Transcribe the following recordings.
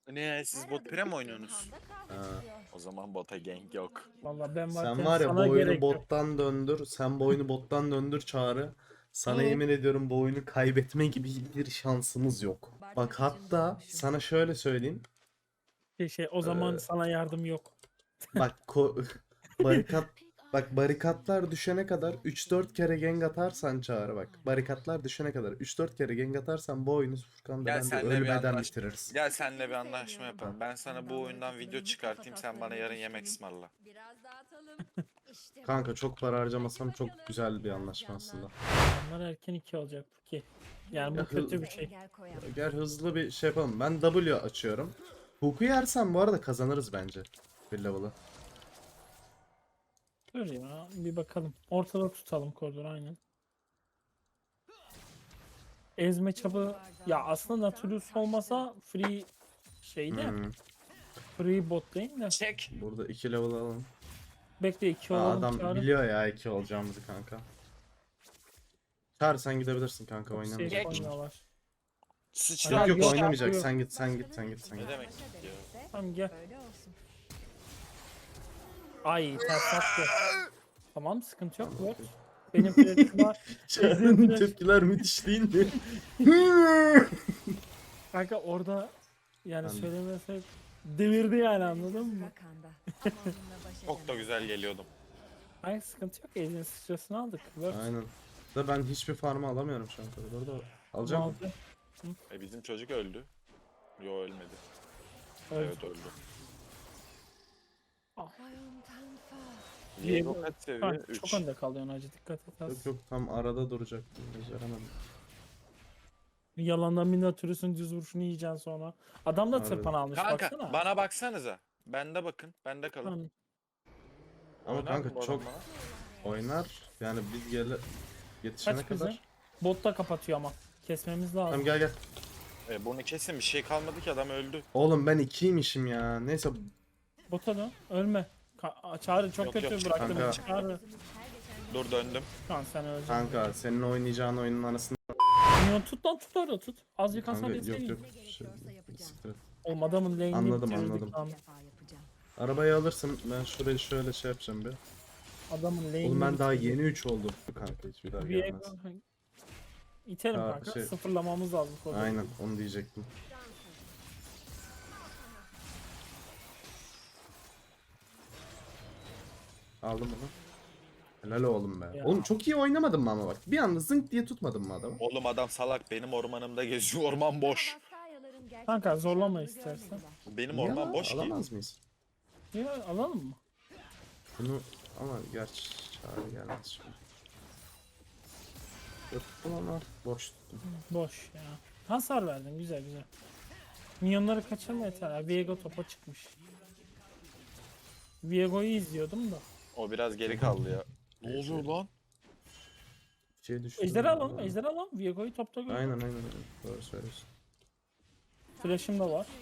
Ne siz bot pre mi oynuyorsunuz? Ha. O zaman bota gank yok. Vallahi ben Sen varken var ya bu sana oyunu gerek yok. bottan döndür. Sen bu oyunu bottan döndür Çağrı. Sana yemin ediyorum bu oyunu kaybetme gibi bir şansımız yok. Bak hatta sana şöyle söyleyeyim. O zaman Ee, sana yardım yok. Bak barikat barikatlar düşene kadar 3-4 kere gank atarsan Çağrı bak. Barikatlar düşene kadar 3-4 kere gank atarsan bu oyunu Furkan'da Gel ben de senle bir ölmeden anlaş. bitiririz. Gel senle bir anlaşma yapalım. Ben sana bu oyundan video çıkartayım, sen bana yarın yemek ısmarla. Biraz dağıtalım. İşte bu. Kanka çok para harcamasam çok güzel bir anlaşma aslında. Onlar erken 2 olacak ki. Yani Ya bu kötü bir şey. Engel koyamam. Gel hızlı bir şey yapalım. Ben W açıyorum. Hook'u yersem bu arada kazanırız bence. Bir level'ı. Dur ya bir bakalım. Ortada tutalım koridoru aynen. Ezme çapı ya aslında Nautilus olmasa free şeyde Hmm. free bot lane de. Çek. Burada 2 level alalım. Bekle 2 Aa, olalım adam çağırın. biliyor ya 2 olacağımızı kanka. Çağır sen gidebilirsin kanka Safe oynamayacak. oynuyorlar. Sıçra. Yok yok Yok, oynamayacak. yok. Sen git sen git sen git sen Ne git. demek ya? Tamam gel. Öyle olsun. Ay ters attı. Tamam sıkıntı yok. Word. Benim flash'ım var. Çağrı'nın tepkiler müthiş değil mi? Kanka orada yani Anladım. söylemesek devirdi yani anladın mı? Rakanda. Ama onunla baş Çok da edemem. güzel geliyordum. Ay sıkıntı yok. Ezin sıçrasını aldık. Word. Aynen. Da ben hiçbir farmı alamıyorum şu an kadar. Orada alacağım mı? Aldı. Bizim çocuk öldü. Yo ölmedi. Öldü. Evet öldü. Koyun tanfa. Diego kaç seviye? Kanka, 3. çok önde kalıyorsun acı dikkat et az. Yok yok tam arada duracaktım. Beceremedim. Yalandan Minotaurus'un düz vuruşunu yiyeceksin sonra. Adam da Harbi. tırpan almış Kanka baksana. bana baksanıza. Bende bakın. Bende kalın. Tamam. Ama Oynar kanka mı bu çok adam oynar. Yani biz yetişene Kaç kızı? kadar. Bot da kapatıyor ama. Kesmemiz lazım. Tamam gel gel. bana? Bunu kesin bir şey kalmadı ki adam öldü. Oğlum ben 2'ymişim ya. Neyse Bota dön. Ölme. Çağrı çok Yok, kötü yok, bıraktım. kanka. Çağrı. Dur döndüm. Kan sen öleceksin. kanka senin oynayacağın oyunun arasında Minyon tut lan tut orada tut. Azıcık hasar kanka yok yeseydin. yok. Ne gerekiyorsa yapacağım. Siktir et. Oğlum adamın lane'ini Anladım, bitirdik anladım. lan. Bir defa yapacağım. Arabayı alırsın. Ben şurayı şöyle şey yapacağım bir. Adamın lane'ini Oğlum ben daha bitirdik. yeni 3 oldum. Kanka hiçbir daha Bir gelmez. İtelim Ha, kanka. şey- Sıfırlamamız lazım. koridoru. Aynen onu diyecektim. Aldım bunu. Helal oğlum be. Ya. Oğlum çok iyi oynamadın mı ama bak. Bir anda zınk diye tutmadın mı adamı? Oğlum adam salak benim ormanımda geziyor. Orman boş. Baskayyaların gerçek Kanka, zorlama yaşamını istersen. görmediler. Benim Niye orman lan? boş ki. Alamaz mıyız? Ya alalım mı? Bunu ama gerçi çağrı gelmez şimdi. Tuttum ama boş tuttum. Boş ya. Hasar verdin güzel güzel. Minyonları kaçırma yeter ya. Viego topa çıkmış. Viego'yu izliyordum da. O biraz geri kaldı ya. Ne oluyor lan? Bir şey düştü. Ejderha alalım, ejderha alalım. Viego'yu topta gör. Aynen. Doğru söylüyorsun. Flash'ım da var.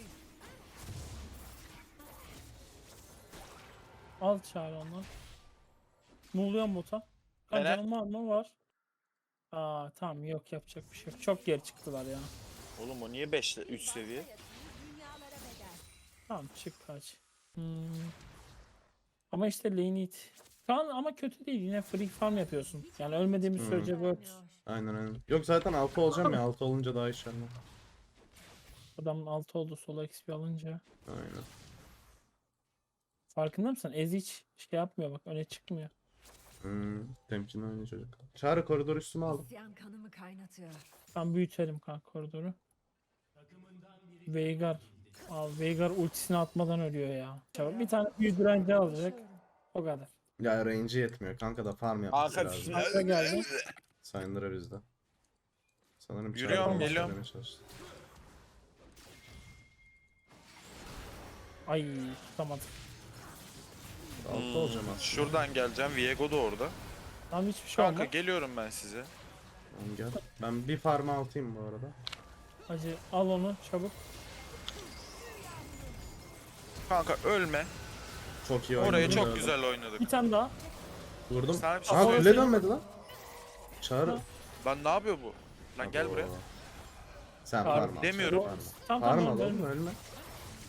Al çağır ondan. Ne oluyor bota? Helal. Canım var mı? Var. Aa tamam yok yapacak bir şey yok. Çok geri çıktılar ya. Oğlum o niye 5 3 seviye? Dünyalara bedel. Tamam çık kaç. Ama işte lane it. Şu an ama kötü değil. Yine free farm yapıyorsun. Yani ölmediğimiz sürece works. Aynen. Yok zaten 6 olacağım ya. 6 olunca daha iyi şeyler. Adamın 6 oldu sola XP alınca. Aynen. Farkında mısın? Ez hiç şey yapmıyor bak öne çıkmıyor. Temkinli oynuyor çocuk. Çağrı koridor üstüme aldım. İsyan kanımı kaynatıyor. Ben büyütelim kanka koridoru. Veigar. Abi Veigar ultisini atmadan ölüyor ya. Çabuk bir tane büyü direnci alacak. O kadar. Ya range'i yetmiyor. Kanka da farm yapması Kanka lazım. Kanka geldi. Sayındıra bizde. Sanırım Yürüyorum, Çağrı bana geliyorum. söylemeye çalıştı. Ay tutamadım. 6 olacağım aslında. Şuradan geleceğim. Viego da orada. Tam hiçbir şey Kanka olmaz. geliyorum ben size. Tamam, gel. Ben bir farm altayım bu arada. Hacı al onu çabuk. Kanka ölme. Çok iyi oynadım. Orayı çok gördüm. güzel oynadık. Bir tane daha. Vurdum. Sana bir şey Aa söyleyeyim. kule dönmedi lan. Çağrı. Ha. Lan ne yapıyor bu? Lan gel Abo. buraya. Sen Farm farm al. demiyorum. Farm al. Tamam Farm tamam al oğlum ölme. ölme.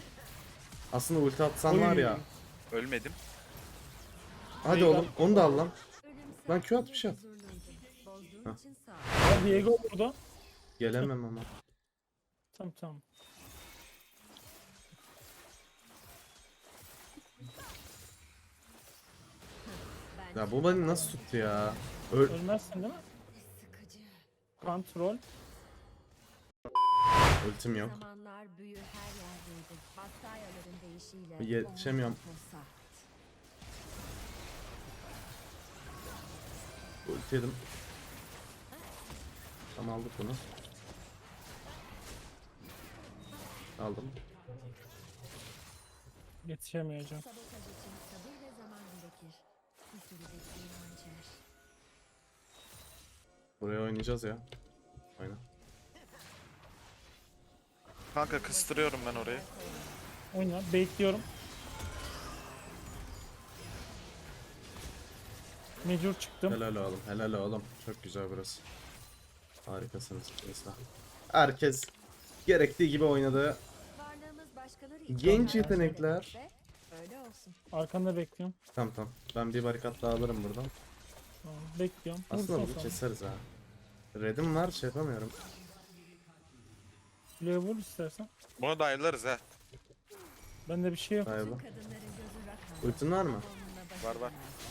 Aslında ulti atsan var ya. Ölmedim. Hadi Veigar. oğlum onu da al lan. Ölüm Lan Q at, bir sadece şey at. huzurluydu. Bozduğun Hah. için sağ ol. Ya Diego burada. Gelemem ama. Tamam. Ben Ya bu beni nasıl tuttu ya? Ölmezsin değil mi? sıkıcı. Kontrol. Ultim yok. Zamanlar büyü her yerdeydi. Bastayaların değişiyle. Yetişemiyorum. onlar tosart. Ulti yedim. Tamam aldık bunu. Aldım. Yetişemeyeceğim. Sabotaj için sabır ve zaman gerekir. Bir sürü bekleyin hançer. Buraya oynayacağız ya. Aynen. Kanka kıstırıyorum ben orayı. Oyna. Bekliyorum. Mecbur çıktım. Helal oğlum. Helal oğlum. Çok güzel burası. Harikasınız. Mesela. Herkes gerektiği gibi oynadı. Varlığımız başkaları için Genç hayal yetenekler. görmekse öyle olsun. Arkanda bekliyorum. Tamam. Ben bir barikat daha alırım buradan. Tamam, bekliyorum. Aslında Vursun bunu sonra. keseriz ha. Red'im var, şey yapamıyorum. Kuleye vur istersen. Buna dayılarız ha. Bende bir şey yok. Galiba. Tüm kadınların gözü rakam. Ultin var mı? Onunla Var, var.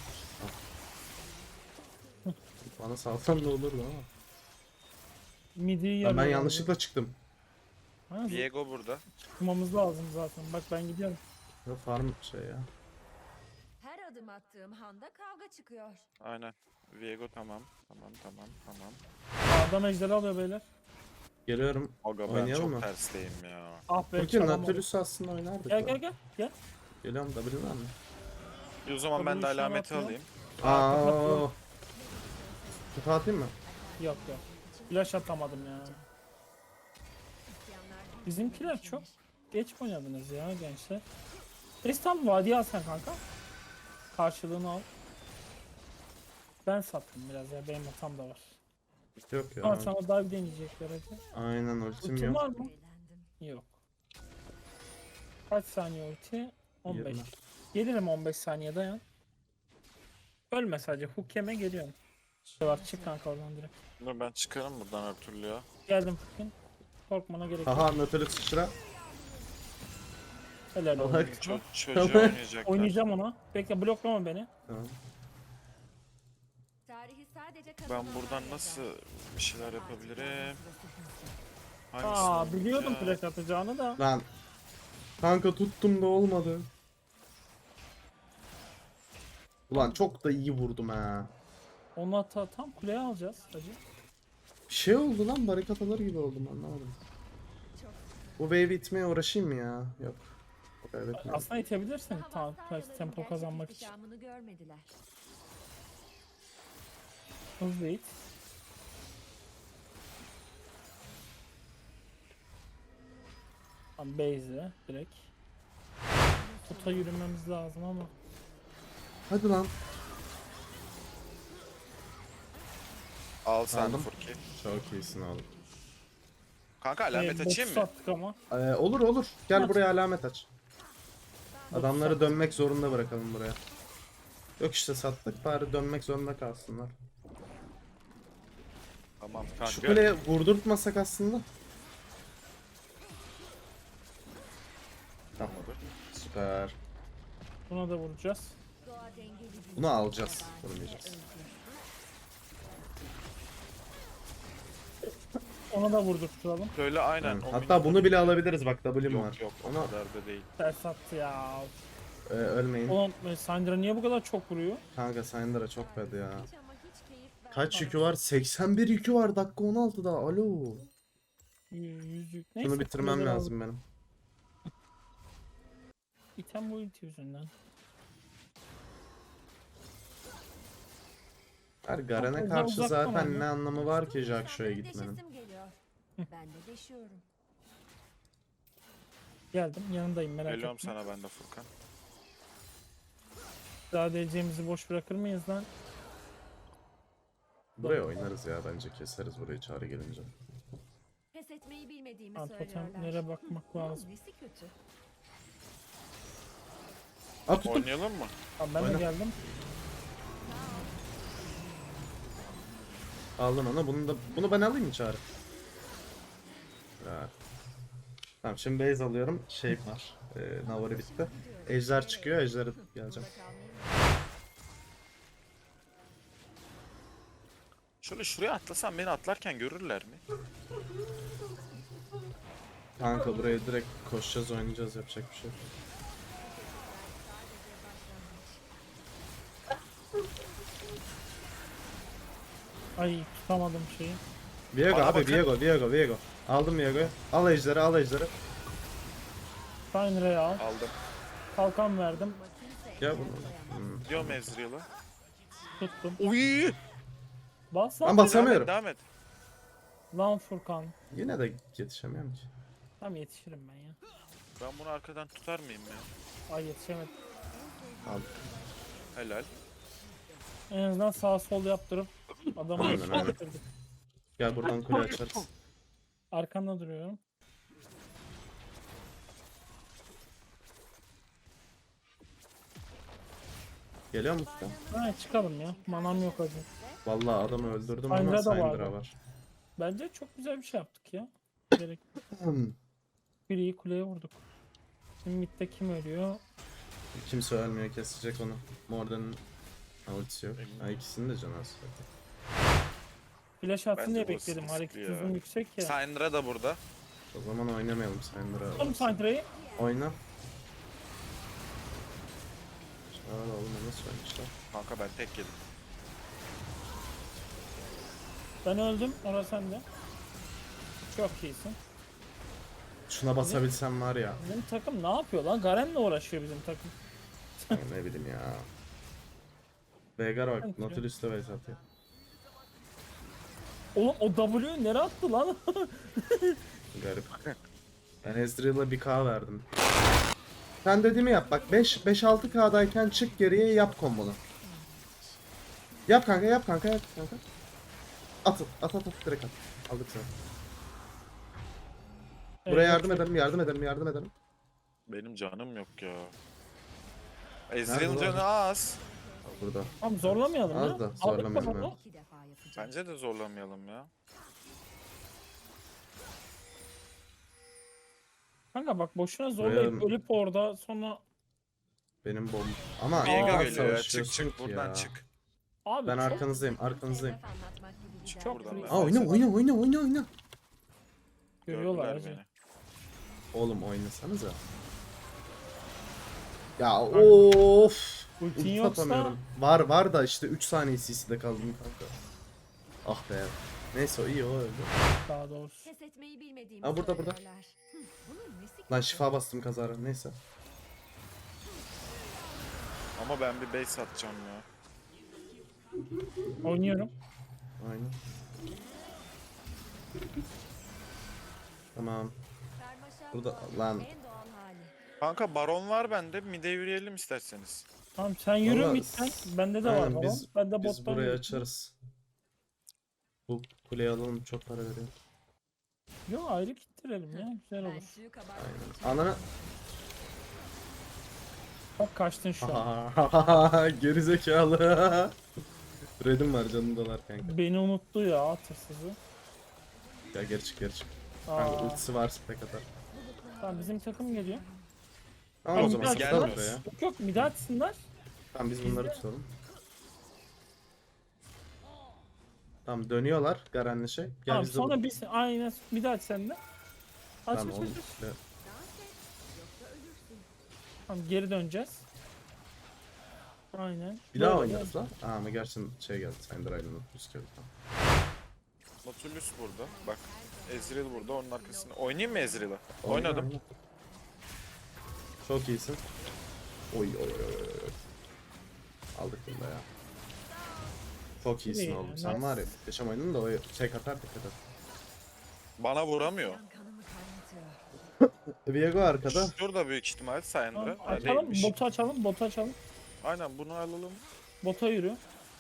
Bana salsan da olurdu ama. Midi'yi Ben yarıyor. yanlışlıkla çıktım. Ha, Viego burada. çıkmamız lazım zaten. Bak ben gidiyorum. Ya farm şey ya. Her adım attığım handa kavga çıkıyor. Aynen. Viego tamam. Tamam. Adam ejderi alıyor beyler. Geliyorum. Aga ben Oynayalım çok mı? tersteyim ya. Ah be Peki çalamadım. Nautilus aslında oynardık. Gel da. gel. Geliyorum W var mı? O zaman ben de Tabii, alameti şey yapıyor. alayım. Aa. Kutu atayım mı? Yok. Flash atamadım ya. İsyanlar Bizimkiler çok geç oynadınız ya gençler. Tam vadiye alsan kanka. Karşılığını al. Ben sattım biraz ya. Benim hatam da var. Yok ya. Ama sana dive deneyecekler hadi. Aynen ultim Ultin yok. var mı? eğlendim. Yok. Kaç saniye ulti? 15. 20. Gelirim 15 saniye dayan. Ölme sadece. Hook yeme geliyorum. Şey var çık kanka oradan direkt. Dur ben çıkarım buradan her türlü ya. Geldim Hook'un. Korkmana gerek yok. Haha Nautilus sıçra. Helal olsun. Salak. Çocuğa Tamam. oynayacaklar. Oynayacağım ona. Bekle bloklama beni. Tamam. Tarihi sadece Ben kazananlar buradan yazar. nasıl bir şeyler yapabilirim? Aa Hangisini biliyordum yapacağım? flash atacağını da. Lan. Kanka tuttum da olmadı. Ulan çok da iyi vurdum ha. Onu tam kuleye alacağız hacı. Bir şey oldu lan, barikat alır gibi oldum, anlamadım. Bu wave itmeye uğraşayım mı ya? Yok. Kaybetmiyorum. Aslında itebilirsin Daha tam Bastayaların tempo gerçek kazanmak için. ihtişamını görmediler. Hızlı it. Tam base'e direkt. Kuta yürümemiz lazım ama. Hadi lan. Al sen Aldım. Furki. Çok iyisin oğlum. Kanka alamet botu açayım mı? sattık ama. Olur. Gel Aç. buraya alamet aç. Adamları sattık. dönmek zorunda bırakalım buraya. Yok işte sattık, bari dönmek zorunda kalsınlar. Tamam Şu kanka. kuleye vurdurtmasak aslında. Tamam. Süper. Buna da vuracağız. Doğa dengeli bir Bunu alacağız. yabancı Vurmayacağız. ve özgür. Ona da vurdurturalım. Böyle aynen. Yani o hatta minyonu- bunu bile alabiliriz, bak W'm var. Yok o Ona kadar da değil. Ters attı ya. ölmeyin. Ulan Syndra niye bu kadar çok vuruyor? Kanka Syndra çok bad ya. Hiç ama hiç keyif Kaç vermez. yükü var? 81 yükü var dakika 16'da. Alo. Yüzük. Neyse. Bunu bitirmem kuleden lazım benim. İtem bu ulti yüzünden. Her Garen'e Uzak- karşı uzaktan zaten oyna. ne anlamı var ki Üstün Jaxxo'ya insanları gitmenin. deşesim geliyor. Ben de deşiyorum. Geldim yanındayım merak Geliyorum etme. sana ben de Furkan. Daha DC'mizi boş bırakır mıyız lan? Buraya oynarız ya, bence keseriz burayı çağrı gelince. Pes etmeyi bilmediğimi Ha, söylüyorlar. totemlere bakmak Bunun lazım. nesi kötü? At tuttum. Oynayalım mı? Tamam ben Oyna. de geldim. Aldın onu. Bunu ben alayım mı Çağrı? Ya. Tamam şimdi base alıyorum. Şey var. Navari bitti. Ejder çıkıyor. Ejder'e geleceğim. Şöyle şuraya atlasam beni atlarken görürler mi? Kanka buraya direkt koşacağız, oynayacağız, yapacak bir şey yok. Ay tutamadım şeyi. Viego Bana abi, bakın. Viego. Aldım Viego'yu. Al Ejder'i, al Ejder'i. Syndra al. Aldım. Kalkan verdim. Gel bunu. Diyorum Ezreal'a. Tuttum. Uy! Bas Ben lan. basamıyorum. Devam et. Lan Furkan. Yine de yetişemiyorum ki. Tam yetişirim ben ya. Ben bunu arkadan tutar mıyım ya? Ay yetişemedim. Al. Helal. En azından sağ sol yaptırıp adamı Aynen, yetiştirdik. aynen. Gel buradan kule açarız. Arkanda duruyorum. Geliyor musun? Ha çıkalım ya. Manam yok acı. Vallahi adamı öldürdüm ama Syndra da Syndra vardı. var. Bence çok güzel bir şey yaptık ya. Gerek. Biriyi kuleye vurduk. Şimdi midde kim ölüyor? Kimse ölmüyor, kesecek onu. Morden'ın ultisi yok. Ha ikisinin de canı az zaten. Flash atsın Bence diye bu bekledim. riskli Hareket ya. hızım yüksek ya. Syndra da burada. O zaman oynamayalım Syndra. Tutalım Syndra'yı. Oyna. Aa oğlum o nasıl oynamışlar? Kanka ben tek yedim. Ben öldüm. Orası sende. Çok iyisin. Şuna basabilsem var ya. Bizim takım ne yapıyor lan? Garen'le uğraşıyor bizim takım. Ne bileyim ya. Veigar bak Sanki. Nautilus'ta base atıyor. Oğlum o W'yu nereye attı lan? Garip. Ben Ezreal'a 1k verdim. Sen dediğimi yap bak 5-6k'dayken çık geriye yap kombonu. Yap kanka yap kanka yap kanka. At direkt at. Aldık seni. Buraya yardım ederim. Benim canım yok ya. Nerede Ezreal'ın lan? canı az. Burada. Tamam zorlamayalım Az ya. da Aldık zorlamayalım bakalım. ya. 2 defa yapacağız. Bence de zorlamayalım ya. Kanka bak boşuna zorlayıp Buraya- ölüp orada sonra Benim bomb. Ama Viego az geliyor ya. Çık savaşıyorsun çık ki buradan ya. çık. abi Ben çok arkanızdayım. Hedef anlatmak gibi Çık gider. buradan ben. Aa oyna. görüyorlar Gördüler hacı. beni. Oğlum oynasanıza. Ya of. Ultin Ulti yoksa atamıyorum. Var da işte 3 saniye CC'de kaldım kanka. Ah be. Neyse o iyi o öldü. daha doğrusu. Pes etmeyi bilmediğimi Aa, burada. söylüyorlar. Bunun nesi Lan kötü? şifa bastım kazara. Neyse. Ama ben bir base atacağım ya. Oynuyorum. Aynen. Tamam. Karmaşa Burada doğanın lan. en doğal hali. Kanka baron var bende. Mide yürüyelim isterseniz. Tamam sen yürü Valla midden. Bende de var aynen, falan. biz- Ben de Biz bottan burayı yürüyorum. açarız. Bu kuleyi alalım çok para veriyor. Yo ayrı gittirelim ya. Güzel Ben olur. suyu kabartmak için Aynen. Anana. Bak kaçtın şu an. Gerizekalı. Red'im var canım dolar kanka. Beni unuttu ya tırsızı. Ya geri çık. Kanka Aa, ultisi var spek atar. tamam bizim takım geliyor. Tamam o Tamam, zaman gel, tutalım gel. buraya. Yok yok mid açsınlar. Tamam biz bunları tutalım. Tamam dönüyorlar Garen'le şey. Gel Tamam biz de sonra biz aynen mid aç sen de. Aç Tamam aç oğlum. aç. aç. işte. dans et, yoksa ölürsün. Tamam geri döneceğiz. Aynen. Bir daha Böyle oynarız lan. Aa ama gerçekten şey geldi. Syndra ile Nautilus geldi. Tamam. Nautilus burada. Bak. Ezreal burada. Onun arkasında. Oynayayım mı Ezreal'a? Oyna, Oynadım. oyna. Çok iyisin. Oy. Aldık bunu da ya. Çok iyisin İyi, oğlum. Sen nice. var ya. Geçen oynadın da o şey katar dikkat et. Bana vuramıyor. Can kanımı kaynatıyor. Viego arkada. Şurada büyük ihtimal Syndra. Tamam, Ha, açalım değilmiş. botu açalım botu açalım. Aynen bunu alalım. Bota yürü.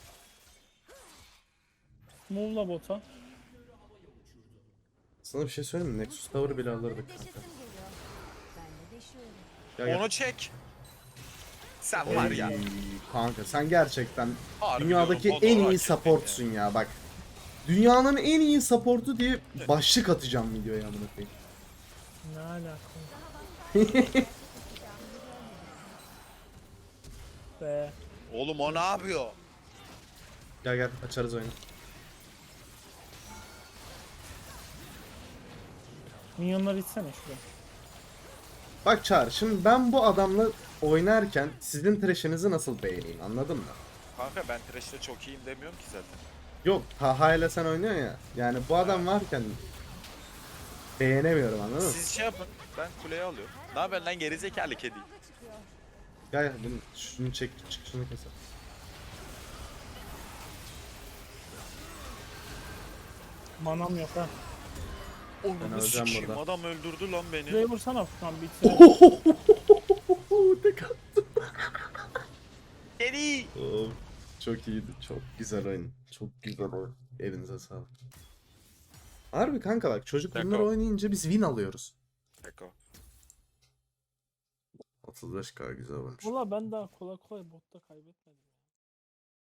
Move'la bota. Sana bir şey söyleyeyim mi? Nexus Tower bile alırdık Deşesim kanka. geliyor. Ben de deşiyorum. Gel gel. Onu çek. Sen var ya. Ey, kanka sen gerçekten Harbi dünyadaki diyorum, en Honor'u iyi hak ettin supportsun ya bak. Dünyanın en iyi supportu diye başlık atacağım videoya amına koyayım. Ne alaka? Be. ya. Oğlum o ne yapıyor? Gel gel açarız oyunu. Minyonları itsene şuraya. Bak Çağrı şimdi ben bu adamla oynarken sizin trash'inizi nasıl beğeneyim anladın mı? Kanka ben Thresh'te çok iyiyim demiyorum ki zaten. Yok Taha ile sen oynuyorsun ya. Yani bu adam varken beğenemiyorum anladın mı? Siz şey yapın. Ben kuleyi alıyorum. Ne haber lan gerizekalı kedi? Gel gel şunu çek çık şunu keser. Manam yok ha. Onu öleceğim sikeyim burada. adam öldürdü lan beni. Buraya vursana Furkan bitsin. Tek attım. Kedi. Oh, çok iyiydi. Çok güzel oyun. Çok güzel oyun. Elinize sağlık. Harbi kanka bak çocuk bunları Deko. oynayınca biz win alıyoruz. Eko. 35k güzel olmuş. Valla ben daha kolay kolay botta kaybetmedim.